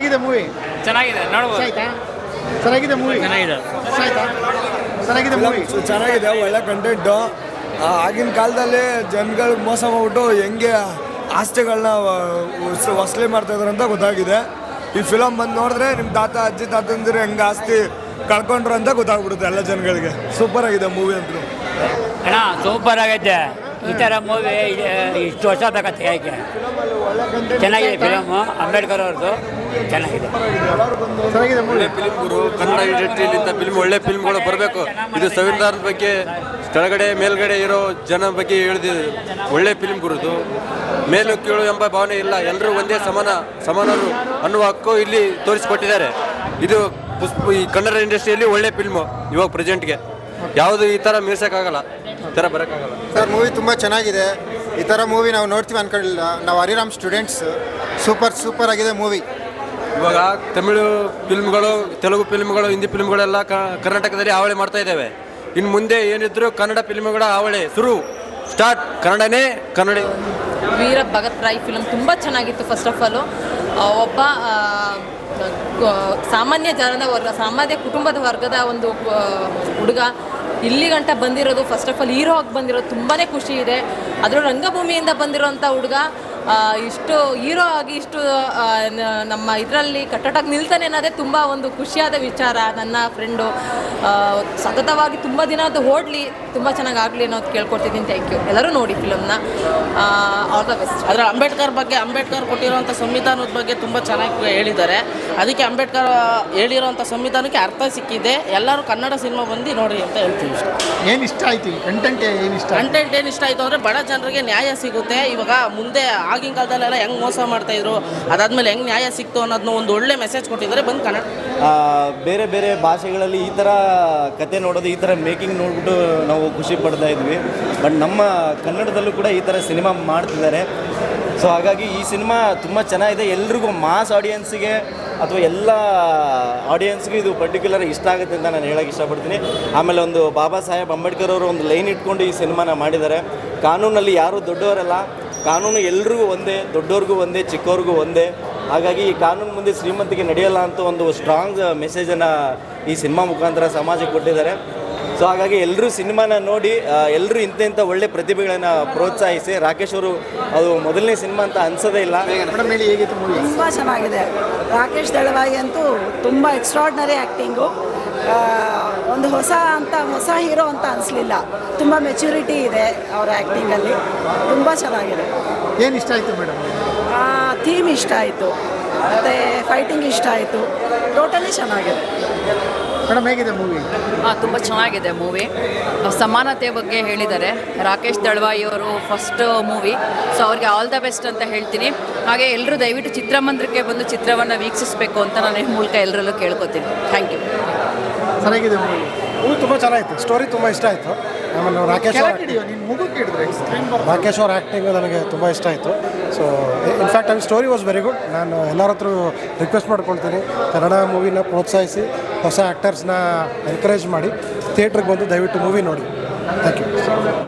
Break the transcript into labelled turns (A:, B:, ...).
A: ಹೇಗಿದೆ ಮೂವಿ?
B: ಚೆನ್ನಾಗಿದೆ, ನೋಡ್ಬೋದು.
A: ಆಯ್ತಾ? ಚೆನ್ನಾಗಿದೆ ಮೂವಿ.
B: ಚೆನ್ನಾಗಿದೆ.
A: ಆಯ್ತಾ? ಚೆನ್ನಾಗಿದೆ ಮೂವಿ.
C: ಚೆನ್ನಾಗಿದೆ, ಒಳ್ಳೆ ಕಂಟೆಂಟು. ಆಗಿನ ಕಾಲದಲ್ಲಿ ಜನಗಳಿಗೆ ಮೋಸ ಮಾಡ್ಬಿಟ್ಟು ಹೆಂಗೆ ಆಸ್ತಿಗಳನ್ನ ವಸೂಲಿ ಮಾಡ್ತಾಯಿದ್ರು ಅಂತ ಗೊತ್ತಾಗಿದೆ. ಈ ಫಿಲಮ್ ಬಂದು ನೋಡಿದ್ರೆ ನಿಮ್ಮ ತಾತ ಅಜ್ಜಿ ತಾತಂದಿರು ಹೆಂಗೆ ಆಸ್ತಿ ಕಳ್ಕೊಂಡ್ರು ಅಂತ ಗೊತ್ತಾಗ್ಬಿಡುತ್ತೆ ಎಲ್ಲ ಜನಗಳಿಗೆ. ಸೂಪರ್ ಆಗಿದೆ ಮೂವಿ ಅಂತೂ.
B: ಅಣ್ಣ ಸೂಪರ್ ಆಗೈತೆ. ಈ ಥರ ಮೂವಿ ಇಷ್ಟು ವರ್ಷ ಬೇಕತ್ತೆ. ಯಾಕೆ ಚೆನ್ನಾಗಿದೆ ಫಿಲಮು, ಅಂಬೇಡ್ಕರ್ ಅವ್ರದ್ದು ಚೆನ್ನಾಗಿದೆ.
A: ಚೆನ್ನಾಗಿದೆ ಮೂವಿ.
D: ಫಿಲ್ಮ್ ಗುರು, ಕನ್ನಡ ಇಂಡಸ್ಟ್ರಿಯಲ್ಲಿ ಇಂಥ ಫಿಲ್ಮ್ ಒಳ್ಳೆ ಫಿಲ್ಮ್ಗಳು ಬರಬೇಕು. ಇದು ಸಂವಿಧಾನದ ಬಗ್ಗೆ ಕೆಳಗಡೆ ಮೇಲ್ಗಡೆ ಇರೋ ಜನ ಬಗ್ಗೆ ಹೇಳಿದ ಒಳ್ಳೆ ಫಿಲ್ಮ್ ಗುರುದು. ಮೇಲು ಕೀಳು ಎಂಬ ಭಾವನೆ ಇಲ್ಲ, ಎಲ್ಲರೂ ಒಂದೇ ಸಮಾನರು ಅನ್ನುವ ಹಕ್ಕು ಇಲ್ಲಿ ತೋರಿಸಿಕೊಟ್ಟಿದ್ದಾರೆ. ಇದು ಈ ಕನ್ನಡ ಇಂಡಸ್ಟ್ರಿಯಲ್ಲಿ ಒಳ್ಳೆ ಫಿಲ್ಮು ಇವಾಗ ಪ್ರೆಸೆಂಟ್ಗೆ. ಯಾವುದು ಈ ಥರ ಮೀರ್ಸೋಕ್ಕಾಗಲ್ಲ, ಈ ಥರ ಬರೋಕ್ಕಾಗಲ್ಲ.
E: ಸರ್ ಮೂವಿ ತುಂಬ ಚೆನ್ನಾಗಿದೆ. ಈ ಥರ ಮೂವಿ ನಾವು ನೋಡ್ತೀವಿ ಅಂದ್ಕೊಳ್ಳಿಲ್ಲ. ನಾವು ಹರಿರಾಮ್ ಸ್ಟೂಡೆಂಟ್ಸ್. ಸೂಪರ್ ಆಗಿದೆ ಮೂವಿ.
D: ಇವಾಗ ತಮಿಳು ಫಿಲ್ಮ್ಗಳು, ತೆಲುಗು ಫಿಲ್ಮ್ಗಳು, ಹಿಂದಿ ಫಿಲ್ಮ್ಗಳೆಲ್ಲ ಕರ್ನಾಟಕದಲ್ಲಿ ಹಾವಳಿ ಮಾಡ್ತಾ ಇದ್ದಾವೆ. ಇನ್ನು ಮುಂದೆ ಏನಿದ್ರು ಕನ್ನಡ ಫಿಲ್ಮ್ಗಳ ಹಾವಳಿ ಸ್ಟಾರ್ಟ್. ಕನ್ನಡ
F: ವೀರ ಭಗತ್ ರಾಯ್ ಫಿಲಮ್ ತುಂಬ ಚೆನ್ನಾಗಿತ್ತು. ಫಸ್ಟ್ ಆಫ್ ಆಲು ಒಬ್ಬ ಸಾಮಾನ್ಯ ಕುಟುಂಬದ ವರ್ಗದ ಒಂದು ಹುಡುಗ ಇಲ್ಲಿ ಗಂಟ ಬಂದಿರೋದು, ಫಸ್ಟ್ ಆಫ್ ಆಲ್ ಹೀರೋ ಆಗಿ ಬಂದಿರೋದು ತುಂಬಾ ಖುಷಿ ಇದೆ. ಅದರ ರಂಗಭೂಮಿಯಿಂದ ಬಂದಿರೋಂಥ ಹುಡುಗ ಇಷ್ಟು ಹೀರೋ ಆಗಿ ಇಷ್ಟು ನಮ್ಮ ಇದರಲ್ಲಿ ಕಟ್ಟಟಾಗಿ ನಿಲ್ತಾನೆ ಅನ್ನೋದೇ ತುಂಬ ಒಂದು ಖುಷಿಯಾದ ವಿಚಾರ. ನನ್ನ ಫ್ರೆಂಡು ಸತತವಾಗಿ ತುಂಬ ದಿನ ಅದು ಓಡಲಿ, ತುಂಬ ಚೆನ್ನಾಗಿ ಆಗಲಿ ಅನ್ನೋದು ಕೇಳ್ಕೊಡ್ತಿದ್ದೀನಿ. Thank you. ಎಲ್ಲರೂ ನೋಡಿ ಫಿಲಮ್ನ. All the best.
G: ಅದರ ಅಂಬೇಡ್ಕರ್ ಕೊಟ್ಟಿರುವಂಥ ಸಂವಿಧಾನದ ಬಗ್ಗೆ ತುಂಬ ಚೆನ್ನಾಗಿ ಹೇಳಿದ್ದಾರೆ. ಅದಕ್ಕೆ ಅಂಬೇಡ್ಕರ್ ಹೇಳಿರೋಂಥ ಸಂವಿಧಾನಕ್ಕೆ ಅರ್ಥ ಸಿಕ್ಕಿದೆ. ಎಲ್ಲರೂ ಕನ್ನಡ ಸಿನಿಮಾ ಬಂದು ನೋಡಿ ಅಂತ ಹೇಳ್ತೀವಿ.
A: ಏನು ಇಷ್ಟ ಆಯ್ತು? ಕಂಟೆಂಟ್ ಏನು ಇಷ್ಟ
G: ಆಯಿತು ಅಂದರೆ ಬಡ ಜನರಿಗೆ ನ್ಯಾಯ ಸಿಗುತ್ತೆ. ಇವಾಗ ಮುಂದೆ ಆಗಿನ ಕಾಲದಲ್ಲೆಲ್ಲ ಹೆಂಗೆ ಮೋಸ ಮಾಡ್ತಾಯಿದ್ರು, ಅದಾದಮೇಲೆ ಹೆಂಗೆ ನ್ಯಾಯ ಸಿಕ್ತು ಅನ್ನೋದನ್ನ ಒಂದು ಒಳ್ಳೆ ಮೆಸೇಜ್ ಕೊಟ್ಟಿದ್ದಾರೆ. ಬಂದು ಕನ್ನಡ
H: ಬೇರೆ ಬೇರೆ ಭಾಷೆಗಳಲ್ಲಿ ಈ ಥರ ಕತೆ ನೋಡೋದು, ಈ ಥರ ಮೇಕಿಂಗ್ ನೋಡ್ಬಿಟ್ಟು ನಾವು ಖುಷಿ ಪಡ್ತಾ ಇದ್ವಿ. ಬಟ್ ನಮ್ಮ ಕನ್ನಡದಲ್ಲೂ ಕೂಡ ಈ ಥರ ಸಿನಿಮಾ ಮಾಡ್ತಿದ್ದಾರೆ. ಸೊ ಹಾಗಾಗಿ ಈ ಸಿನಿಮಾ ತುಂಬ ಚೆನ್ನಾಗಿದೆ. ಎಲ್ರಿಗೂ ಮಾಸ್ ಆಡಿಯನ್ಸಿಗೆ ಅಥವಾ ಎಲ್ಲ ಆಡಿಯನ್ಸ್ಗೂ ಇದು ಪರ್ಟಿಕ್ಯುಲರ್ ಇಷ್ಟ ಆಗುತ್ತೆ ಅಂತ ನಾನು ಹೇಳೋಕ್ಕೆ ಇಷ್ಟಪಡ್ತೀನಿ. ಆಮೇಲೆ ಒಂದು ಬಾಬಾ ಸಾಹೇಬ್ ಅಂಬೇಡ್ಕರ್ ಅವರು ಒಂದು ಲೈನ್ ಇಟ್ಕೊಂಡು ಈ ಸಿನಿಮಾನ ಮಾಡಿದ್ದಾರೆ. ಕಾನೂನಲ್ಲಿ ಯಾರೂ ದೊಡ್ಡವರಲ್ಲ, ಕಾನೂನು ಎಲ್ರಿಗೂ ಒಂದೇ, ದೊಡ್ಡವ್ರಿಗೂ ಒಂದೇ, ಚಿಕ್ಕವ್ರಿಗೂ ಒಂದೇ. ಹಾಗಾಗಿ ಈ ಕಾನೂನು ಮುಂದೆ ಶ್ರೀಮಂತಿಗೆ ನಡೆಯಲ್ಲ ಅಂತ ಒಂದು ಸ್ಟ್ರಾಂಗ್ ಮೆಸೇಜನ್ನು ಈ ಸಿನಿಮಾ ಮುಖಾಂತರ ಸಮಾಜಕ್ಕೆ ಕೊಟ್ಟಿದ್ದಾರೆ. ಸೊ ಹಾಗಾಗಿ ಎಲ್ಲರೂ ಸಿನಿಮಾನ ನೋಡಿ ಎಲ್ಲರೂ ಇಂಥ ಒಳ್ಳೆ ಪ್ರತಿಭೆಗಳನ್ನು ಪ್ರೋತ್ಸಾಹಿಸಿ. ರಾಕೇಶ್ ಅವರು ಅದು ಮೊದಲನೇ ಸಿನಿಮಾ ಅಂತ ಅನ್ಸೋದೇ ಇಲ್ಲ.
I: ತುಂಬ ಚೆನ್ನಾಗಿದೆ. ರಾಕೇಶ್ ದಳವಾಯಿ ಅಂತೂ ತುಂಬ ಎಕ್ಸ್ಟ್ರಾರ್ಡಿನರಿ ಆ್ಯಕ್ಟಿಂಗು. ಒಂದು ಹೊಸ ಹೀರೋ ಅಂತ ಅನಿಸ್ಲಿಲ್ಲ. ತುಂಬ ಮೆಚ್ಯೂರಿಟಿ ಇದೆ ಅವರ ಆ್ಯಕ್ಟಿಂಗಲ್ಲಿ. ತುಂಬ ಚೆನ್ನಾಗಿದೆ.
A: ಏನು ಇಷ್ಟ ಆಯಿತು ಮೇಡಮ್?
I: ಥೀಮ್ ಇಷ್ಟ ಆಯಿತು, ಮತ್ತು ಫೈಟಿಂಗ್ ಇಷ್ಟ ಆಯಿತು. ಟೋಟಲಿ ಚೆನ್ನಾಗಿದೆ.
A: ಮೇಡಮ್ ಹೇಗಿದೆ ಮೂವಿ?
F: ತುಂಬ ಚೆನ್ನಾಗಿದೆ ಮೂವಿ. ಸಮಾನತೆ ಬಗ್ಗೆ ಹೇಳಿದ್ದಾರೆ. ರಾಕೇಶ್ ದಳವಾಯಿ ಅವರು ಫಸ್ಟ್ ಮೂವಿ. ಸೊ ಅವ್ರಿಗೆ ಆಲ್ ದ ಬೆಸ್ಟ್ ಅಂತ ಹೇಳ್ತೀನಿ. ಹಾಗೆ ಎಲ್ಲರೂ ದಯವಿಟ್ಟು ಚಿತ್ರಮಂದಿರಕ್ಕೆ ಬಂದು ಚಿತ್ರವನ್ನು ವೀಕ್ಷಿಸಬೇಕು ಅಂತ ನಾನು ಈ ಮೂಲಕ ಎಲ್ಲರಲ್ಲೂ ಕೇಳ್ಕೊತೀನಿ. Thank you.
A: ಚೆನ್ನಾಗಿದೆ ಮೂವಿ.
C: ತುಂಬ ಚೆನ್ನಾಗಿತ್ತು. ಸ್ಟೋರಿ ತುಂಬ ಇಷ್ಟ ಆಯಿತು. ಆಮೇಲೆ ರಾಕೇಶ್ ಅವ್ರ ಆ್ಯಕ್ಟಿಂಗು ನನಗೆ ತುಂಬ ಇಷ್ಟ ಆಯಿತು. ಸೊ ಇನ್ಫ್ಯಾಕ್ಟ್ ಅವ್ರ ಸ್ಟೋರಿ ವಾಸ್ ವೆರಿ ಗುಡ್. ನಾನು ಎಲ್ಲರ ಹತ್ರ ರಿಕ್ವೆಸ್ಟ್ ಮಾಡ್ಕೊಳ್ತೀನಿ, ಕನ್ನಡ ಮೂವಿನ ಪ್ರೋತ್ಸಾಹಿಸಿ, ಹೊಸ ಆ್ಯಕ್ಟರ್ಸ್ನ ಎನ್ಕರೇಜ್ ಮಾಡಿ ಥಿಯೇಟ್ರಿಗೆ ಬಂದು ದಯವಿಟ್ಟು ಮೂವಿ ನೋಡಿ. Thank you.